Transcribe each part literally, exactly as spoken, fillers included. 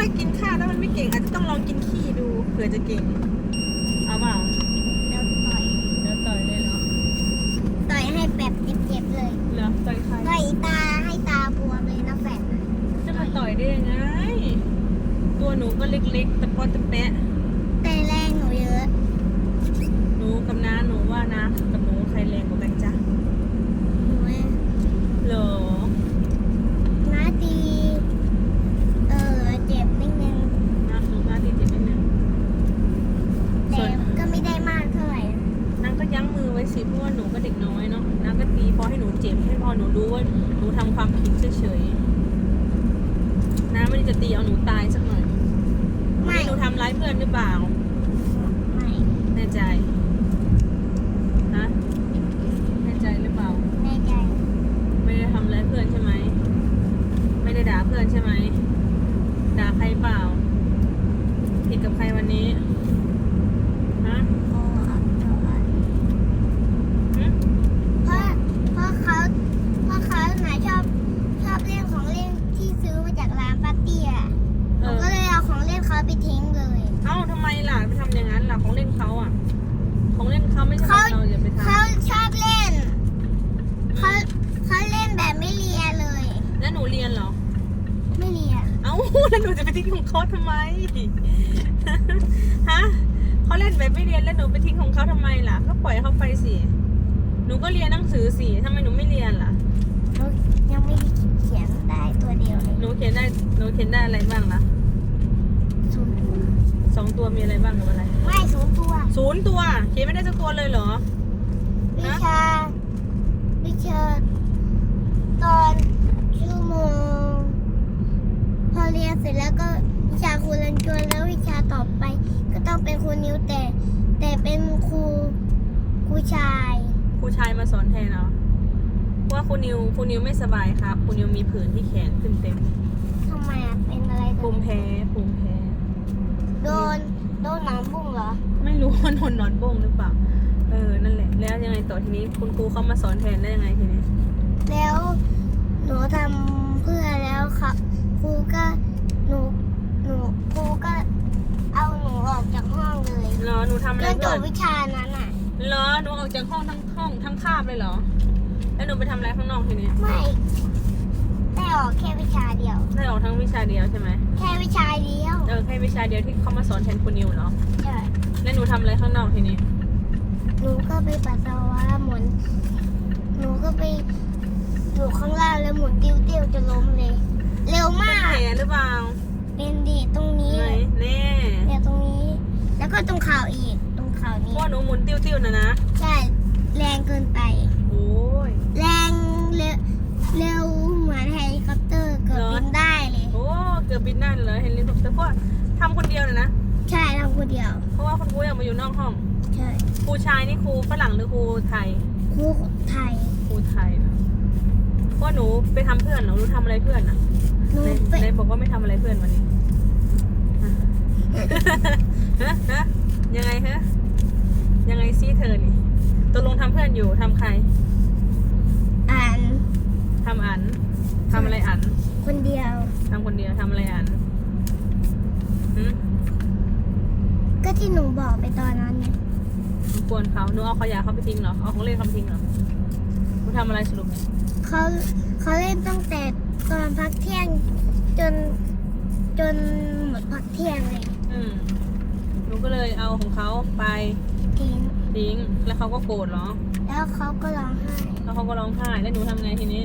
ากินข้าวแล้วมันไม่เก่งอาจจะต้องลองกินขี้ดูเผื่อจะเก่งเอาเปล่าแล้วต่อยเดี๋ยวต่อยเลยเหรอต่อยให้แบบเจ็บๆเลยเหรอต่อยใครต่อยตาให้ตาบวมเลยนะแฟนจะมาต่อยได้ยังไงตัวหนูก็เล็กๆตะปอตะแปะแต่แรงหนูเยอะหนูกับน้าหนูว่านะกับหนูใครแรงกว่ากันจ๊ะหนูเองเหรอน้าตีเออเจ็บนิดนึงน้าหนูน้าดีจิตนิดนึงแต่ก็ไม่ได้มากเท่าไหร่น้าก็ยั้งมือไว้สิเพราะว่าหนูก็เด็กน้อยเนาะน้าก็ตีพอให้หนูเจ็บให้พอหนูรู้ว่าหนูทำความผิดเฉยๆน้าไม่ได้จะตีเอาหนูตายสักหน่อยไม่หนูทำร้ายเพื่อนหรือเปล่าไม่แน่ใจฮะแน่ใจหรือเปล่าแน่ใจไม่ได้ทำร้ายเพื่อนใช่ไหมไม่ได้ด่าเพื่อนใช่ไหมด่าใครเปล่าผิดกับใครวันนี้ฮะโอ้หึเพราะเพราะเขาเพราะเขาหนาชอบชอบเล่นของเล่นที่ซื้อมาจากร้านปาร์ตี้อ่ะหนูก็เลยเอาของเล่นเขาไปทิ้งเลยเอ้าทำไมล่ะไปทำอย่างนั้นล่ะของเล่นเขาอ่ะของเล่นเขาไม่ใช่ของเราอย่าไปทเขาชอบเล่นำเขาเขาเล่นแบบไม่เลียเลยแล้วหนูเรียนเหรอไม่เลียเอ้าแล้วหนูจะไปทิ้งของเขาทำไมฮะเขาเล่นแบบไม่เรียนแล้วหนูไปทิ้งของเขาทำไมล่ะก็ปล่อยเขาไปสิหนูก็เรียนหนังสือสิทำไมหนูไม่เรียนล่ะหนูยังไม่ได้เขียนได้ตัวเดียวเลยหนูเขียนได้หนูเขียนได้อะไรบ้างล่ะศูนย์ตัวสองตัวมีอะไรบ้างกับอะไรไม่ศูนย์ตัวศูนย์ตัวเขียนไม่ได้สักตัวเลยเหรอวิชา วิชา ตอนชั่วโมง พอเรียนเสร็จแล้วก็วิชาครูรันจวนแล้ววิชาต่อไป ก็ต้องเป็นครูนิวแต่ แต่เป็นครูครูชายครูชายมาสอนแทนเนาะเพราะว่าครูนิวครูนิวไม่สบายครับครูนิวมีผื่นที่แขนขึ้นเต็มทำไมอ่ะ เป็นอะไรภูมิแพ้ภูมิแพ้โดน โดนหนอนบุ้งเหรอไม่รู้ว่าโดนหนอนบ้งหรือเปล่าเออนั่นแหละแล้วยังไงต่อทีนี้คุณครูเขามาสอนแทนได้ยังไงทีนี้แล้วหนูทำเพื่อแล้วค่ะครูก็หนูหนูครูก็เอาหนูออกจากห้องเลยเหรอหนูทำอะไรเรื่องจเพื่อบ นวิชานั้นอ่ะเหรอหนูออกจากห้องทั้งห้องทั้งคาบเลยเหรอแล้วหนูไปทำอะไรข้างนอกทีนี้ไม่ได้ออกแค่วิชาเดียวได้ออกทั้งวิชาเดียวใช่ไหมแค่วิชาเดียวเออแค่วิชาเดียวที่เขามาสอนแทนคุณนิวเหรอใช่แล้วหนูทำอะไรข้างนอกทีนี้หนูก็ไปปัสสาวะหมุนหนูก็ไปอยู่ข้างล่างแล้วหมุนติ้วติ้วๆจะล้มเลย เร็วเป็นมากแผลหรือเปล่าเป็นดีตรงนี้ไหนแน่เนี่ยตรงนี้ แล้วก็ตรงข่าวอีกตรงข่าวเพนี้ราะว่าหนูหมุนติ้วๆนะนะใช่แรงเกินไปโอ้ยแรงเร็วเร็วเหมือนเฮลิคอปเตอร์เกือบเหรอบินได้เลยโอ้เกือบบินได้เลยเฮลิคอปเตอร์เพราะว่าทำคนเดียวเลยนะใช่ทำคนเดียวเพราะว่าคุณครูอยากมาอยู่นอกห้องใช่ครูชายนี่ครูฝรั่งหรือครูไทยครูไทยครูไทยนะเพราะว่าหนูไปทำเพื่อนเหรอหนูทำอะไรเพื่อนอ่ะหนูในไปในบอกว่าไม่ทำอะไรเพื่อนวันนี้ฮะฮะยังไงฮะยังไงซี่เธอนี่ตกลงทำเพื่อนอยู่ทำใครอ่านทำอันทำอะไรอันคนเดียวทำคนเดียวทำอะไรอันหืมก็ที่หนูบอกไปตอนนั้นไงหนูกวนเขาหนูเอาขยะเขาไปทิ้งเหรอเอาของเล่นเขาไปทิ้งเหรอหนูทำอะไรสรุปเขาเขาเล่นตั้งแต่ตอนพักเที่ยงจนจนหมดพักเที่ยงเลยอืมหนูก็เลยเอาของเขาไปทิ้งทิ้งแล้วเขาก็โกรธเหรอแล้วเขาก็ร้องไห้แล้วเขาก็ร้องไห้แล้วหนูทำไงทีนี้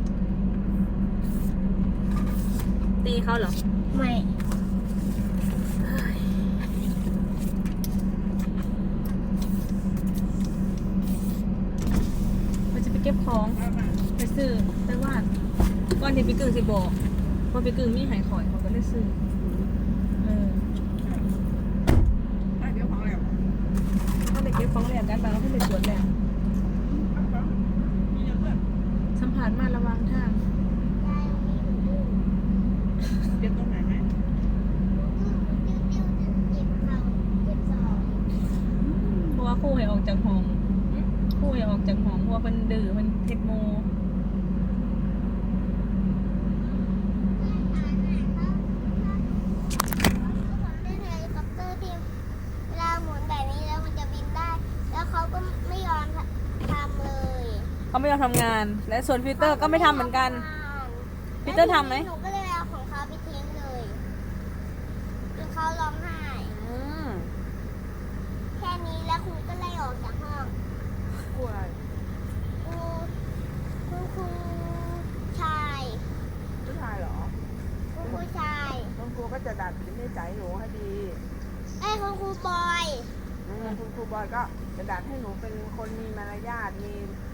ตีเขาเหรอไม่มันจะไปเก็บของไปซื้อไปวาดก่อนที่พี่กึ่งสิบอกว่าพี่กึ่งมีหายข่อยเขาก็ได้ซื้อเออเขาไปเก็บของแหลกกันไปแล้วเขาไปสวนแหลกสัมผัสมาระวังทางเก็บตรงไหนไหมเพราะว่าครู่ให้ออกจากห้องครู่ให้ออกจากห้องเพราะว่าเป็นดื้อเป็นเทคโมเขาก็ไม่ยอมทำเลยเขาไม่ยอมทำงาน และส่วนปีเตอร์ก็ไม่ทำเหมือนกัน ปีเตอร์ทำไหมหนูก็เลยเอาของเขาไปทิ้งเลยจนเขาร้องไห้อืมแค่นี้แล้วครูก็ไล่ออกจากห้องกลัวอะไรครูครูครูชายผู้ชายเหรอครูผู้ชายคุณครูก็จะดัดนิสัยหนูให้ดีไอ้ยคุณครูบอยอืมคุณครูบอยก็จะดัดให้หนูเป็นคนมีมารยาทมี